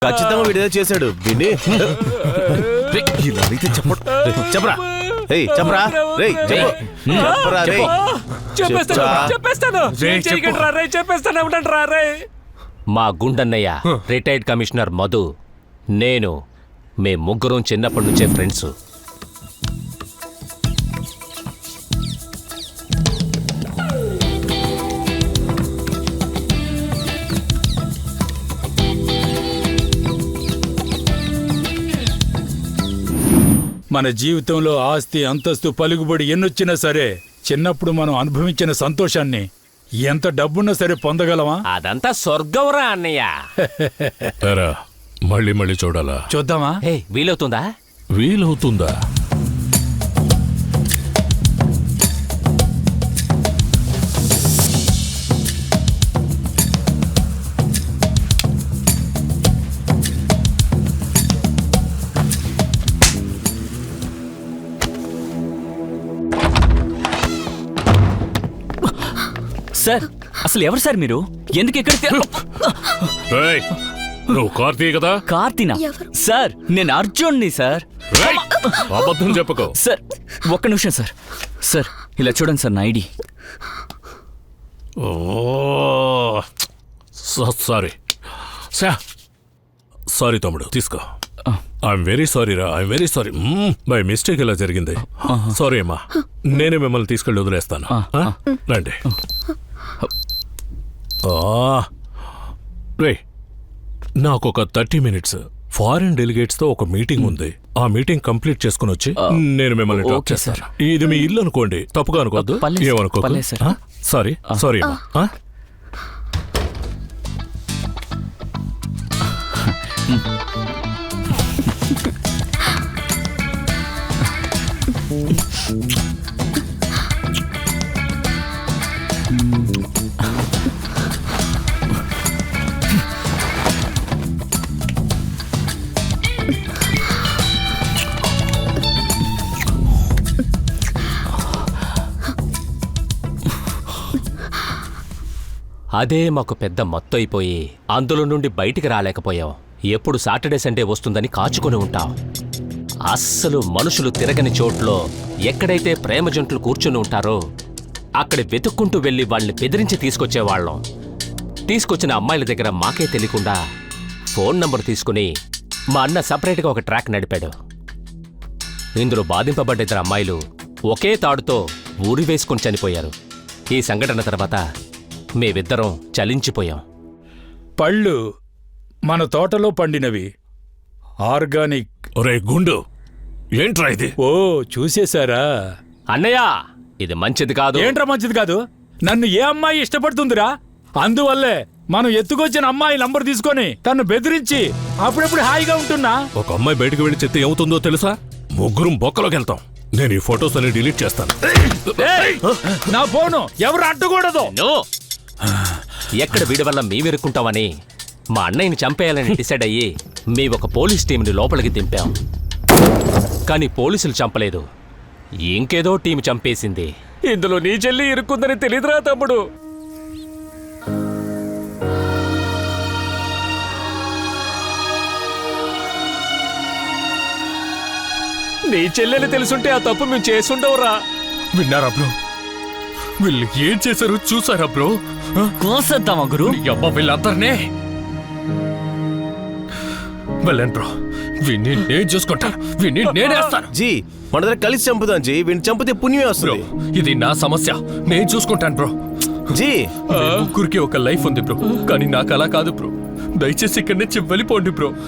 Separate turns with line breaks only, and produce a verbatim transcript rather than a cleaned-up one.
ఖచ్చితంగా వీడియో చేశాడు విని ఇలా అయితే చెప్ప చెప్పరా రేయ్ చెప్పరా రేయ్ చెప్పరా రేయ్
చెప్పేస్తాను చెప్పేస్తాను
మా గుండన్నయ్య రిటైర్డ్ కమిషనర్ మధు నేను మే ముగ్గురం చిన్నప్పటి నుంచే ఫ్రెండ్స్.
మన జీవితంలో ఆస్తి అంతస్తు పలుకుబడి ఎన్నొచ్చినా సరే చిన్నప్పుడు మనం అనుభవించిన సంతోషాన్ని ఎంత డబ్బున్నా సరే పొందగలమా?
అదంతా స్వర్గంరా అన్నయ్య.
మళ్ళీ మళ్ళీ చూడాలా?
చూద్దామా?
హే వీలవుతుందా?
వీలవుతుందా?
సార్ అసలు ఎవరు సార్ మీరు? ఎందుకు ఎక్కడికి?
నువ్వు కార్తీ కదా?
కార్తీనా? సార్ నేను అర్జున్ని సార్.
అబద్ధం చెప్పకో.
సార్ ఒక్క నిమిషం సార్. సార్ ఇలా చూడండి సార్ నా ఐడి.
సారీ సారీ తమ్ముడు తీసుకో. ఐఎమ్ వెరీ సారీ రా. I'm very sorry. By mistake ఇలా జరిగింది. సారీ అమ్మా. నేనే మిమ్మల్ని తీసుకెళ్ళి వదిలేస్తాను. రండి. రే నాకు ఒక థర్టీ మినిట్స్ ఫారిన్ డెలిగేట్స్ తో ఒక మీటింగ్ ఉంది. ఆ మీటింగ్ కంప్లీట్ చేసుకుని వచ్చి నేను మిమ్మల్ని డ్రాప్ చేస్తాను. ఇది మీ ఇల్లు అనుకోండి, తప్పుగా అనుకోవద్దు. ఏమనుకో. సారీ సారీ అమ్మా.
అదే మాకు పెద్ద మత్తు అయిపోయి అందులో నుండి బయటికి రాలేకపోయాం. ఎప్పుడు సాటర్డే సండే వస్తుందని కాచుకొని ఉంటాం. అస్సలు మనుషులు తిరగని చోట్లో ఎక్కడైతే ప్రేమ జంటలు కూర్చుని ఉంటారో అక్కడ వెతుక్కుంటూ వెళ్ళి వాళ్ళని బెదిరించి తీసుకొచ్చేవాళ్ళం. తీసుకొచ్చిన అమ్మాయిల దగ్గర మాకే తెలియకుండా ఫోన్ నంబర్ తీసుకుని మా అన్న సపరేట్గా ఒక ట్రాక్ నడిపాడు. ఇందులో బాధింపబడ్డ ఇద్దరు అమ్మాయిలు ఒకే తాడుతో ఊరి వేసుకుని చనిపోయారు. ఈ సంఘటన తర్వాత మేమిద్దరం చలించిపోయాం.
పళ్ళు మన తోటలో పండినవి, ఆర్గానిక్.
ఒరే గుండు, ఏంట్రా ఇది?
ఓ చూసేశారా?
అన్నయ్య ఇది మంచిది కాదు.
ఏంట్రా మంచిది కాదు? నన్ను ఏ అమ్మాయి ఇష్టపడుతుందిరా? అందువల్లే మనం ఎత్తుకొచ్చిన అమ్మాయి నంబర్ తీసుకొని తను బెదిరించి అప్పుడప్పుడు హాయిగా ఉంటున్నా.
ఒక అమ్మాయి బయటకు వెళ్ళి చెత్త ఏమవుతుందో తెలుసా? ముగ్గురం బొక్కలోకి వెళ్తాం. నేను ఈ ఫొటోస్ అన్ని డిలీట్ చేస్తాను.
నా ఫోను ఎవరు అడ్డకూడదు.
ఎక్కడ వీడి వల్ల మేమెరుక్కుంటామని మా అన్నయ్యని చంపేయాలని డిసైడ్ అయ్యి మీ ఒక పోలీస్ టీంని లోపలికి దింపాం. కానీ పోలీసులు చంపలేదు, ఇంకేదో టీం చంపేసింది. ఇందులో నీ చెల్లి ఇరుక్కుందని తెలీదురా తమ్ముడు. నీ చెల్లెలు తెలుసుంటే ఆ తప్పు మేము చేసుండవురా.
విన్నారా బ్రో? వీళ్ళు ఏం చేశారు చూసారా బ్రో?
కోసేద్దామా గురు?
అబ్బా వీళ్ళందరినీ వెళ్ళండి బ్రో. వీడిని నేను చూసుకుంటాను. వీడిని నేనేస్తాను.
జీ మన దగ్గర కలిసి చంపుదాం జీ. వీడిని చంపితే పుణ్యమే వస్తుంది.
ఇది నా సమస్య, నేను చూసుకుంటాను బ్రో.
జీ
ముగ్గురికి ఒక లైఫ్ ఉంది బ్రో, కానీ నాకు అలా కాదు బ్రో. దయచేసి ఇక్కడి నుంచి వెళ్ళిపోండి బ్రో.